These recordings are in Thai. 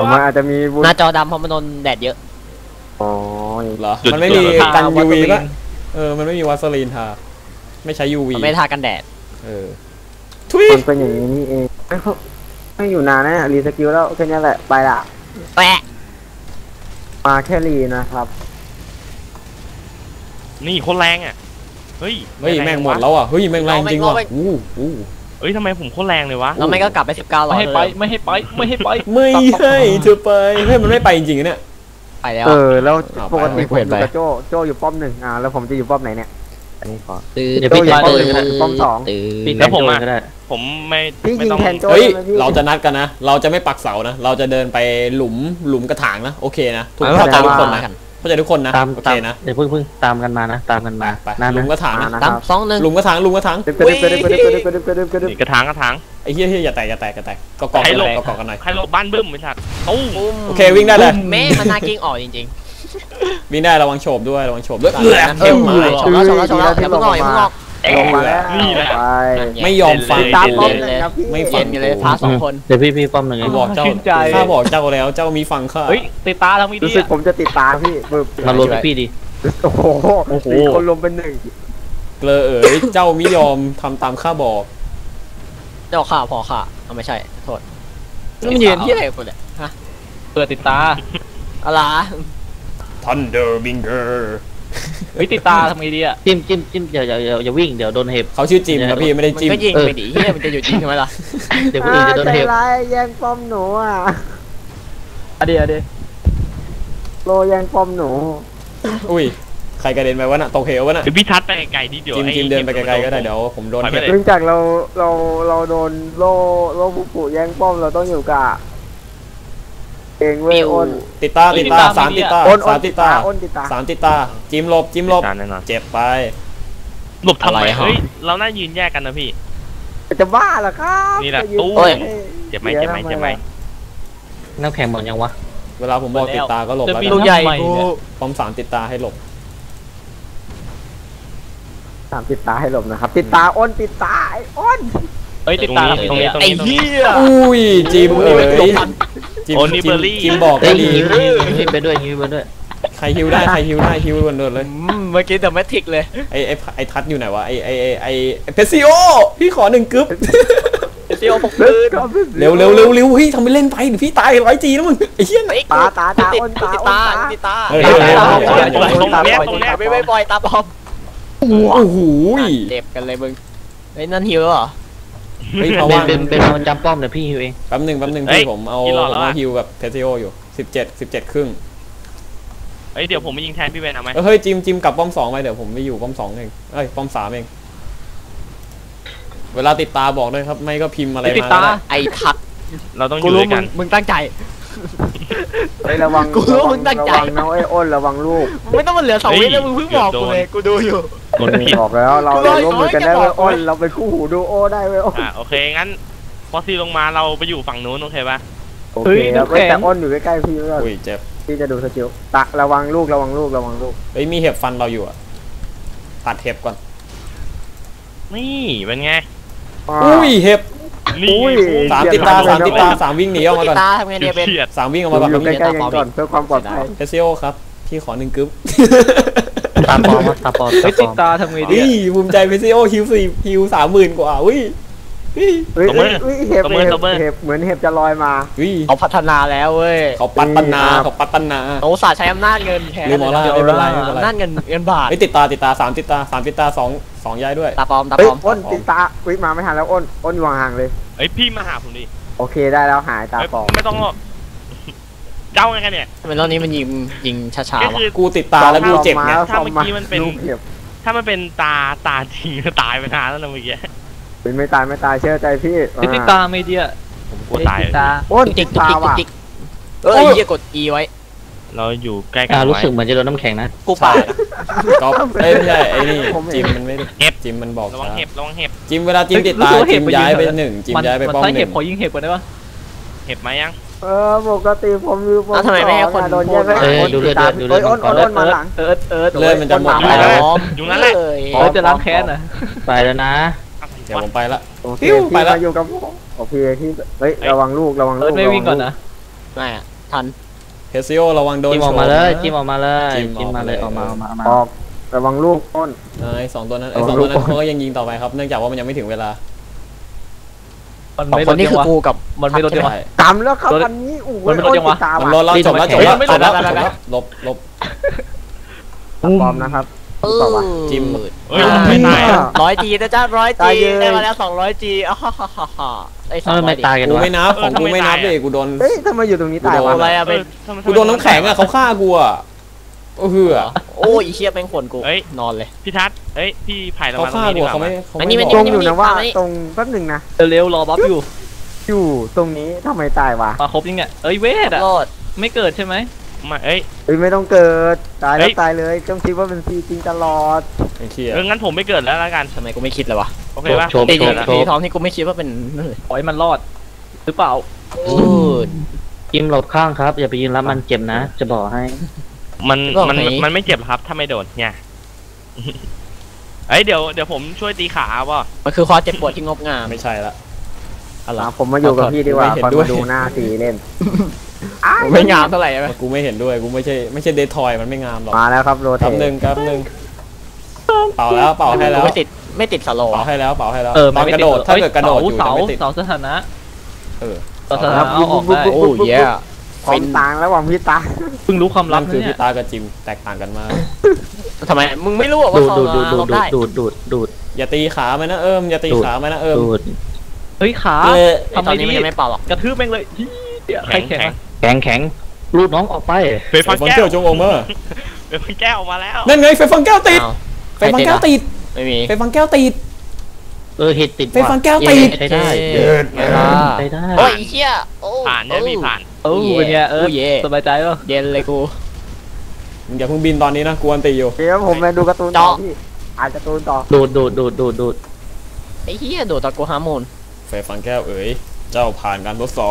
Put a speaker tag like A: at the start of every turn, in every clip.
A: มันอาจจะมี
B: หน้าจอดำเพราะมันโดนแดดเยอะ
A: อ๋อ
C: เหรอมันไม่มีกัน UV ป่ะมันไม่มีวาสลีนทาไม่ใช้ UV
B: มันไม่ทากันแดด
C: ทุย
A: มันเป็นอย่างนี้นี่เองไม่อยู่นานนะรีสกิลแล้วแค่นี้แหละไปละ
B: แปะ
A: มาแค่รีนะครับ
D: นี่คนแรงอ่ะเฮ้ย
C: แม่งหมดแล้วอ่ะเฮ้ยแม่งแรงจริงว่ะ
D: เฮ้ยทำไมผมโคตรแรงเลยวะ
B: แล้วไม่ก็กลับไป19
E: ไม่ให้ไปไม่ให้ไปไม่ให้ไป
C: ไม่ให้เธอไปเฮ้ยมันไม่ไปจริงๆเนี่ย
B: ไปแล้ว
A: แล้วปกติผมอยู่กับโจอยู่ป้อมหนึ่งแล้วผมจะอยู่ป้อมไหนเนี่ยอันนี้ขอ
E: เดี๋ยวพี่จะ
A: ป้อมสอง
D: แล้วผมไม่
A: ต้อง
C: เฮ้ยเราจะนัดกันนะเราจะไม่ปักเสานะเราจะเดินไปหลุมกระถางนะโอเคนะเข้าใจทุกคนนะเข้าใจทุกคนนะโอเคนะ
E: เดี๋ยวเพิ่งตามกันมานะตามกันมา
C: หลุมกระถางนะ
B: ตาม2-1
C: หลุมกระถาง
D: กระถาง
C: ไอ้เหี้ยอย่าแตกก็กอกกันหน่อย
D: ใครหลบบ้านบึ้มไม่ทัน
C: โอเควิ่งได้เลย
B: แม่มันน่ากิ้งออกจริง
C: ๆวิ่งได้ระวังโฉบด้วยชมแล้ว
B: ชมแล้วอย่าเพิ่งออก
A: ลงมาแล้ว
D: นี่แหละ
C: ไม่ยอมฟัง
A: ตามป้อมเลย
C: ไม่ฟัง
B: เลยพา2คน
E: เดี๋ยวพี่ป้อมหนึ่ง
C: บอกเจ้าข้าบอกเจ้าแล้วเจ้ามีฟังข้า
E: เฮ้ยติดตาทำไม่ดี
A: รู้สึกผมจะติดตาพี่
E: มารวมพี่ดิ
A: โอ้โหคนรวมเป็น1
C: เกลอเจ้ามิยอมทำตามข้าบอก
B: เจ้าข้าพอข้าไม่ใช่โทษมันยืนที่ไหนคนเนี่ยฮะ
E: เปิดติดตา
B: อะไร
C: Thunder Binger
E: เฮ้ยติดตาทำไงดีอ่ะจิ้มอย่าวิ่งเดี๋ยวโดนเห็บ
C: เขาชื่อจิมครับพี่ไม่ได้จิม
B: ก็ยิงไปดิเฮียมันจะอยู่จริงใช่ไหมล่ะ
E: เดี๋ยวคนอื่นจะโดนเห็บ
A: แย่งป้อมหนูอ่ะ
E: เดี๋ยว
A: โลแย่งป้อมหนู
C: อุ้ยใครกระเด็นไปวะน่ะตกเหววะน่ะ
D: พี่ทัดไปไกลนิดเดียว
C: จิมเดินไปไกลๆก็ได้เดี๋ยวผมโดนเ
A: นื่องจากเราโดนโลผู้แย่งป้อมเราต้องอยู่กับเองเว้ยอ้น
C: ติดตา3ติดตา3ติดตา3ติดตาจิมหลบเจ็บไป
D: หลบทำไมเฮ้ยเราน่ายืนแยกกันนะพี่
A: จะบ้าเหรอครับ
D: นี่แหละตู้เจ็บไหม
E: น้ำแข็งหมดยังวะ
C: เวลาผมบอกติดตาก็หลบแล้ว
B: ลูกใหญ่
C: ป้อม3ติดตาให้หลบ
A: 3ติดตาให้หลบนะครับติดตาอ้นติดตาไอ้อ้น
E: ติดตา
B: ไอ้เหี้ย
C: อุ้ยจิมจิมบอกก็ดี
E: ฮิวไปด้วย
C: ใครฮิวได้ฮิวโดนเลย
B: เมื่อกี้แต่ไม่ทิกเลย
C: ไอ้ทัดอยู่ไหนวะไอ้เพซิโอพี่ขอ1กึ๊บ
B: เพซิโอปกปืน
C: เร็วเฮ้ยทำไปเล่นไปเดี๋ยวพี่ตาย100Gนะมึงไอ้เหี้ย
A: ตาอ้นตา
B: ตาไม่ปล่อยตาปอม
C: โอ้โห
B: เจ็บกันเลยมึงไอ้นั่นฮิวเหรอ
E: เฮ้ยเป็นมันจำป้อมเดี๋ยวพี่ฮิวเอง
C: แป๊บนึงพี่ผมเอาฮิวกับเพซิโออยู่17ครึ่ง
D: เดี๋ยวผมไปยิงแทนพี่เวนเอาไหม
C: เฮ้ยจิมกลับป้อม2ไปเดี๋ยวผมไปอยู่ป้อม2เองป้อม3เองเวลาติดตาบอกด้วยครับไม่ก็พิมพ์อะไรมา
B: ไอ้ทัด
D: เราต้องอยู่ด้วยกัน
B: มึงตั้งใจ
A: ระวังกูรู้มึงตั้งใจนะไอ้อ้นระวังลูก
B: ไม่ต้องมาเหลือ2 วิแล้วมึงเพิ่งบอกกูเลยกูดูอยู่
A: บอกแล้วเราร่วมมือกันได้เว้ยอ้นเราเป็นคู่หูดูโอได้เว้ย
D: โอเคงั้นพอซีลงมาเราไปอยู่ฝั่งนู้นโอเคป่ะ
A: โอเคแต่อ้นอยู่ใกล้ๆพี่ด้วย
C: เจ็บ
A: พี่จะดูสกิลระวังลูก
C: เฮ้ยมีเห็บฟันเราอยู่อ่ะตัดเห็บก่อน
D: นี่เป็นไง
C: อุ้ยเห็บ
D: 3
C: ติดตา3วิ่งหนีออกมาก่อน
B: ทำไงเนี่ยเป็น
C: 3วิ่งออกมาก่อน
A: ใกล้ๆกันก่อนเพื่อความปลอดภัย
C: เพซิโอครับพี่ขอ1กึ๊บ
E: ตาปอม
C: ติดตาทำไงดีภูมิใจเพซิโอฮิว30,000 กว่าอุ้ย
A: เห็บเหมือนเห็บจะลอยมา
B: เขาพัฒนาแล้วเว้ย
C: เขาปัตตนา
B: โอ้ศาสตร์ใช้อำนาจเงินแทน
C: ไม่เป็นไร
B: อำนาจเงินบาท
C: ติดตา3ติดตา2ย้ายด้วย
B: ตาปอม
A: อ้นติดตามาไม่ทันแล้วอ้นวางห่างเลย
D: พี่มาหาผมดิ
A: โอเคได้แล้วหายตาปอม
D: ไม่ต้องหรอกเจ้าไงกันเนี่ย
B: ทำไมรอบนี้มันยิงช้าๆวะ
C: กูติดตาแล้วกูเจ็บไง
D: ถ้าเมื่อกี้มันเป็นตาจริงตายไปนานแล้วนะเมื่อกี้
A: ไม่ตายเชื่อใจพี่
E: ติดตาไม่เดีย
D: ผมกลัวตาย
A: อ้นติดตาว่ะ
B: เหี้ยกด E ไว้
D: เราอยู่ใกล้กัน
E: รู้สึกเหมือนจะโดนน้ำแข็งนะ
B: กูป่า
C: ก็ไม่ใช่ไอ้นี่จิมมันไม่
D: เห็บ
C: จิมมันบอก
D: ระวังเห็บ
C: จิมเวลาจิมติดตาจิมย้ายไป1จิมย้ายไปป้อม1
E: เห็บขอยิงเห็บก่อนได้ปะ
D: เห็บมายัง
A: ปกติผมอยู่ป้อม
B: ทำไมไม่ให้คน
A: โดนแย่งไป
E: ดูเลย
A: อ้นมาหลัง
C: เลื่อนมันจะหมดไปแล้ว
D: อยู่นั่นแหละ
E: จะล้างแค้นนะไปแล้วนะ
C: เดี๋ยวผมไปละ
A: ไปละอยู่กับโอเคที่ระวังลูก
E: ไม่วิ่งก่อนนะ
B: ไม่ทัน
C: เพซิโอระวังโดน
E: จิ้มออกมาเลยจิ้มออกมาเลย
C: จิ้
E: จิ้
C: ม
E: ม
C: อ
E: มา
C: อก
E: เลย
C: เลย
E: ออกมาออกมาออกมา
A: ออกระวังลูกต้น
C: ไอ้สองตัวนั้นเขาก็ยังยิงต่อไปครับ เนื่องจากว่ามันยังไม่ถึงเวลา
E: มัน
B: สอง
E: ไม่
B: คนนี้คือกูกับ
E: มันไม่ลดจังวะ
C: ใช่
A: กำแล้วครับอันนี้โอ้โห
E: มันไม่ลดยังวะ
A: ตา
C: มัน
A: ว่ะ
C: รอดแล้วจบแล้วจบแล้วจบแล้วลบ
A: ปลอมนะครับ
C: จิ้ม
D: เฮ้ยไม่ตายอะ
B: 100G นะจ๊ะ
A: ตาย
B: 100G
A: เยอะ
B: ได้มาแล้ว 200G อ้าวฮ่าฮ่าฮ่าฮ่าไอ้
E: เออไม่
B: 200
E: ตายกัน
C: กู
E: วะ
C: ไม่นับของกูไม่นับดิกูโดน
A: เฮ้ยทำไมอยู่ตรงนี้ตายวะ
B: อะไรอะ
D: เอ
B: เป็น
D: อทำไม
C: กูโดนน้ำแข็งอ่ะเขาฆ่ากูอ่ะโอ้โห
B: โอ้ยอีเชี่ยแม่งขวนกู
D: เฮ้ย
B: นอนเลย
D: พี่ทัศน์เอ้ยพี่ไผ่เรา
C: เขา
D: มาตรง
C: ฆ่า
D: นี้
C: กู
D: ดีกว่า
C: เขาไม่
D: ไหม
C: เขา
B: อันนี้
C: ไม่
B: มัน
C: บ
A: ต
C: อ
A: ร
C: ก
A: งอยู่นะว่าตรงแป๊บหนึ่งนะ
E: เร็วๆรอบัฟอยู่
A: อยู่ตรงนี้ทำไมตายวะ
E: มาครบยังเนี่ยเอ้ยเวทอะ
B: โลด
E: ไม่เกิดใช่ไหม
D: มาเอ้ย
A: เฮ้ยไม่ต้องเกิดตาย
D: เฮ้
A: แล้ว
D: ย
A: ตายเลยต้องคิดว่าเป็นซีจริงตลอด
C: ไอ้เชี่ย
D: งั้นผมไม่เกิดแล้วละกัน
B: ทำไมกูไม่คิดเลยวะ
D: โอเคป่ะ
E: โชว์
B: ตี
E: โชว์โช
B: ที
E: ว์
B: ท้องที่กูไม่คิดว่าเป็นนั่นเลย
E: ขอให้มันรอดหรือเปล่า
B: โอ้ย
E: จิ้มหลบข้างครับอย่าไปยืนรับมันเจ็บนะ จะบอกให้
D: มันไม่เจ็บหรอกครับถ้าไม่โดนเนี่ยเอ้ยเดี๋ยวผมช่วยตีขาว่ะ
B: มันคือความเจ็บปวดที่งดงาม
C: ไม่ใช่ละอะไร
A: ผมมาอยู่กับพี่ดีกว่า
C: ไม่เห็น
A: คอย
C: ด้วย
A: มาดูหน้าสีเล่น
B: ไม่งามเท่าไหร่ใช่ไหม
C: กูไม่เห็นด้วยกูไม่ใช่เดททอยมันไม่งามหรอก
A: มาแล้วครับโรเท
C: แป๊บหนึ่งเป่าแล้วเป่าให้แล้ว
B: กูไม่ติดสโลว์
C: เป่าให้แล้วเป่าให้แล้ว
E: เออ
C: ตอนกระโดดถ้าเกิดกระโดดอยู่จะ
E: เสา
C: ไม่ติด
E: เสาสถานะ
C: เออ
E: เสาสถานะเอาออกได้
B: โอ้ยแย่
A: ความต่างระหว่างพี่ตา
E: เพิ่งรู้ความลั
C: นั่
E: บ
C: นคือ
E: นะเนี่
C: พี่
E: ย
C: ตากับจิมแตกต่างกันมาก
B: ทำไมมึงไม่รู้ว่า
E: ดูด
B: เขา
E: ดูดดูดดู
B: ล
E: ด
B: บได้
E: ดูดดูดดูด
C: อย่าตีขามันนะอย่าตีขามันนะ
E: ดูดเฮ้ยขา
C: เออ
B: ไอ้ตอนนี้มันยังไม่เป่าหรอก
E: กระทืบแม่งเลยใคร
D: แข็ง
E: แข็งแข็งรูดน้องออกไป
D: เฟยฟัง
C: ฟัง
D: แก้
C: แก้
D: ว
C: วจงโอเมอร์
D: เฟยฟังแก้วออกมาแล้ว
C: นั่นไงไฟฟังแก้วติด
B: อ้าว
C: ไฟฟังแก้วติด
B: ไม่มี
C: ไฟฟังแก้วติด
E: เห็ดติด
C: ไฟฟังแก้วติด
E: ใช้ได้
B: เย้เย้
E: ใช้ได้
B: โอ้ยไอ้เชี่ยโอ้
D: ผ่านเนี่ยพี่ผ่าน
E: เป็นไง
B: โอ้ยเย่
E: สบายใจป่ะ
B: เย็นเลยกู
C: มึงอย่าเพิ่งบินตอนนี้นะกวนตีอยู่
A: เดี๋ยวผมไปดูการ์ตูนต่อพี่อ่านการ์ตูนต่อ
E: ดูดดูดดูดดูดดูด
B: ไอ้เหี้ยโดดตะกูฮาร์โมน
C: ไฟฟังแก้วเอ๋ยเจ้าผ่านการทดสอบ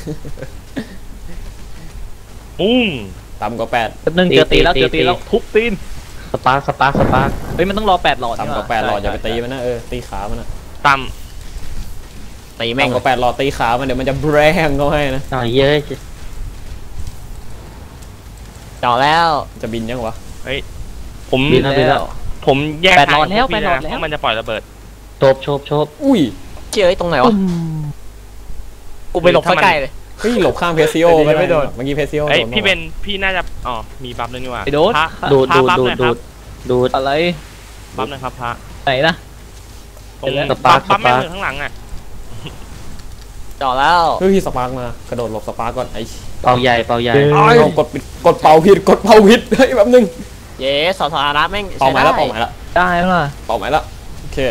D: ปุ้ง
C: ต่ำกว่า8
E: แป๊บนึงเจอตีแล้วทุบตีนสปาร์คเฮ้ยมันต้องรอ8หลอด
C: ต่ำกว่า8หลอดอย่าไปตีมันนะตีขามันนะ
D: ต่
B: ตีแม่ง
C: ต่ำกว่า8หลอดตีขามันเดี๋ยวมันจะแบรงเขาให้นะ
E: อ๋อเยอะ
B: จ่อแล้ว
C: จะบินยังวะ
D: ำผม
E: บินแล้ว
D: ผมแยก
E: แปดหลอดแล้ว
D: ทางกับพี่
E: แปดหลอด
D: นะ
E: แล้ว
D: เพราะมันจะปล่อยระเบิด
E: โชบ
C: อุ้ย
B: เชี่ยไอ้ตรงไหนวะกูไปหลบใกล้เลย
C: เฮ้ยหลบข้างเพซิโอ
B: ไม่โดน
C: เมื่อกี้เพซิโอ
D: เอ้ย
C: โดน
D: พี่เป็นพี่น่าจะอ๋อมีบัฟด้วยนี่หว่า
E: ไอ้โดด
D: พระ
E: ดูด
D: พระ
E: ดูด
D: บัฟ
E: ดู
D: ห
E: ด
D: น่อยค
E: ดู
D: รับ
E: ดดูดอะไร
D: บัฟหน่อยครับพระ
E: ไหนนะ
D: ตรง
E: สปาร์ค
D: บัฟแม่ง
E: สปาร์ค
D: อยู่ข้างหลังอ่ะ
B: จ่อแล้ว
C: เฮ้ยสปาร์กมากระโดดหลบสปาร์กก่อนไอ้
E: เป่าใหญ่
C: เอากดเป่าผิดเฮ้ยแบบนึง
B: เย้สถานะแม่ง
C: เป่า
B: ใช้
C: หมาย
B: ได้
C: แล้วเป่าหมายแล้ว
E: ได้ป่ะ
C: เป่าหมายแล้วโอเค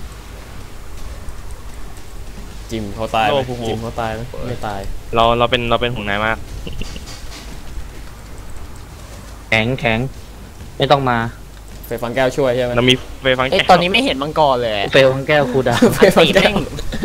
C: จิมเขาตายไหมจิมเขาตายไหมไม่ตาย
D: เราเป็นห่วงนายมาก
E: แข็งไม่ต้องมา
C: ไฟฟังแก้วช่วยใช่ไหม
D: เรามีเฟยฟัง
B: ไอ้
D: แก้ว
B: ตอนนี้ไม่เห็นมังกรเลย
E: เฟลของแก้วคูดา
C: ไฟฟัง
B: ตี
C: แก้
B: แม่
C: ว
B: ง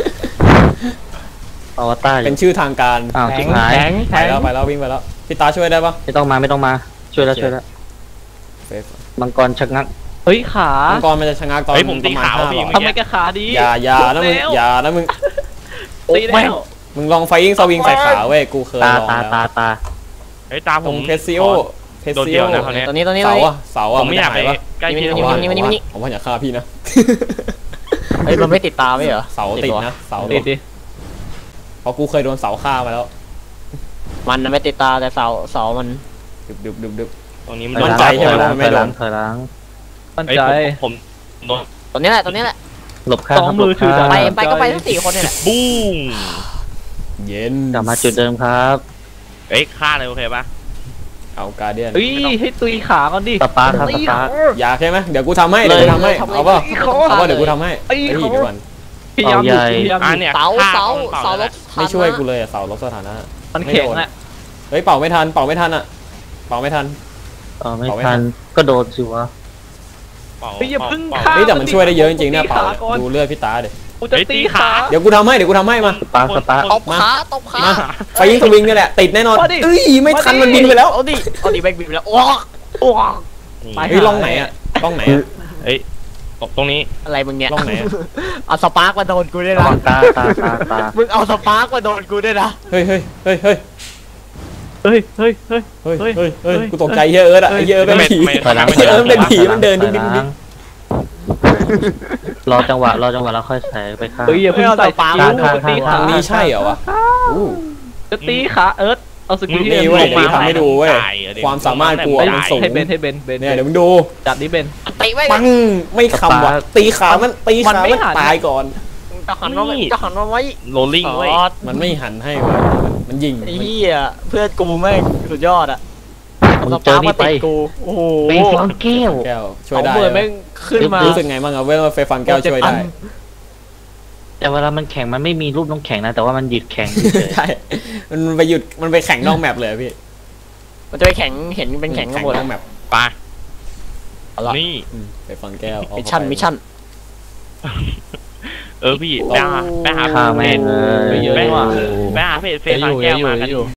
E: อวตาร
C: เป็นชื่อทางการ
E: อ้าวชิบหาย
C: ไปแล้ววิ่งไปแล้วพี่ตาช่วยได้ปะ
E: ไม่ต้องมาช่วยแล้ว
C: ไฟ
E: มังกรชักงักเฮ้ยขา
C: มังกรมันจะชะงักตอน
D: เฮ้ยผมตี
C: ประมาณ
D: ขาว
C: 5
D: พี่
C: หลอด
E: ทำไมแกขาดี
C: อย่านะมึงอย่านะมึง
E: ตีแล้ว
C: มึงลองไฟยิงสวิงใส่ขาเว้ยกูเคยลองแล้ว
E: ตา
D: เฮ้ยตาผ
C: ตร
D: ม
C: งเพซิโอ
D: โดนเดี่ยวนะคราวนี้
B: ตอนนี้
C: เสาอะเสา
D: ผ
C: อะ
D: มไม่อยากไป
C: นจะหวะ
D: ใกล้พี่
B: นี่
C: ผมว่าอย่าฆ่าพี่นะ
B: เฮ้ยมันไม่ติดตาไม่เหรอ
C: เสาติดนะเสา
E: ติดดิ
C: เพราะกูเคยโดนเสาฆ่ามาแล้ว
B: มันน่ะไม่ติดตาแต่เสามัน
C: ดึบ
D: ตรงนี้มัน
C: มั่นใจใช่ไหมว่ามันไม่โดน
E: ถอยหลังมั่น
D: เฮ้ย
E: ใจ
D: ผมโดน
B: ตอนนี้แหละ
E: หลบข้าง สองมือถือ
B: ไปก็ไปทั้ง4คนนี่แหละ
D: บูม
C: เย็น
E: กลับมาจุดเดิมครับ
D: เฮ้ยฆ่าเลยโอเคปะ
C: เอาการเดียน
E: เฮ้ยให้ตุยขาก่อนดิสปาร์ค
C: อย่าใช่ไหมเดี๋ยวกูทำให้เดี๋ยวกูทำให้เอาป่ะเอาป่ะเดี๋ยวกูทำให้เฮ้ยเดี๋ยวก่อน
E: พยายามหยุดพยายาม
D: อ่ะ
E: หยุด
D: เนี่ย
B: เสา
D: ฆ่
B: เสา
D: ก่อน
B: เสาล
D: นะ
B: บ
C: ไม่ช่วยกูเลยเสาลบสถานะ
E: มันแข็งอ่ะ
C: เฮ้ยเป่าไม่ทันอ่ะเป่าไม่ทัน
E: ไม่ทันก็โดนสิวะ
D: เป่า
E: เฮ้ยอย่าพึ่ง
D: เป่า
E: ฆ่า
C: เฮ้ยแต่มันช่วยได้เยอะจริงๆเนี่ยเป่า
E: ตีขาก่อน
C: ดูเลือดพี่ตาเดี๋ย
E: กูจะตีขา
C: เดี๋ยวกูทำให้มา
E: สปาร์ค
B: ตบขาตบขา
C: มาไฟยิงสวิงนี่แหละติดแน่นอน
E: มาดิ
C: เอ้ยไม่ทันมันบินไปแล้ว
B: เอาดิแบกบินไปแล้วโอ้
D: นี่
C: เฮ้ยล่องไหนอ่ะล่องไหนอ่ะ
D: เฮ้ยตรงนี้
B: อะไรมึงเนี่ย
C: ล่องไหนอ่ะ
B: เอาสปาร์กมาโดนกูด้วยนะ
E: ตา
B: มึงเอาสปาร์กมาโดนกูด้วยนะ
C: เฮ้ย
E: เฮ้ยเฮ้ยเฮ้ย
C: เฮ้ย
E: เฮ้ย
C: เฮ้ยเฮ้ย
E: เฮ้ย
C: กูตกใจเฮียเอิร์ธอะเฮียเอิร์ธเป็นผี
D: ไม่
E: ถอยหลัง
C: เฮียเอิร์ธเป็นผีมันเดินดุ๊กดิ๊กดุ๊กดิ๊ก
E: รอจังหวะแล้วค่อยใส่ไปข้าง
B: เฮ้ยอย่าเพิ่งใส่ปลา
E: ข้าง
B: ตี
C: ทางนี้ใช่เหรอวะอู้
E: จะตีขาเอิร์ธเอาสกิล
C: นี่เว้ยเดี๋ยวทำให้ดูเว้ยความสามารถกูอะมันสูง
E: ให้เบนเบน
C: เนี่ยเดี๋ยวมึงดู
E: จัดนี้เบน
B: ตีไว้
C: ปังไม่คำว่ะตีขามันตีขา
B: มันไม่
C: มัน
B: หัน
C: ตายก่อน
B: จะหันมาจะหันมาไว้
D: โรลลิ่งเว้ย
C: มันไม่หันให้เว้ยมันยิง
B: ไอ้เหี้ยเพื่อนกูแม่งสุดยอดอะ
E: มึงเจอนี่ไป
B: ติดกูโอ้โห
E: ไปฟังแก้ว
C: แก้วช่
B: ส
C: วย
B: อง
C: ได้
B: หมื่นแม่งขึ้นมา
C: รู้สึกไงบ้างอะเว้ยว่าไฟฟันแก้วช่วยได้
E: แต่เวลามันแข่งมันไม่มีรูปน้องแข่งนะแต่ว่ามันหยุดแข่งเฉย
C: ใช่มันไปหยุดมันไปแข่งนอกแมปเลยอะพี่
B: มันจะไปแข็งเห็นเป็นแข็งกันหมด
C: นอกแมป
D: ปะ
B: เอาละ
D: นี่
C: ไฟฟันแก้วเอา
B: มิช
C: เข้า
B: ชั่น
C: ไป
B: มิชชั่น
D: พี่ไปหา
E: ฆ่าแม่งเลย
D: ไปหา
E: เยอะ
D: ไป
E: ว่ะ
D: ไปหาเพจเฟซฟังแก้วมากัน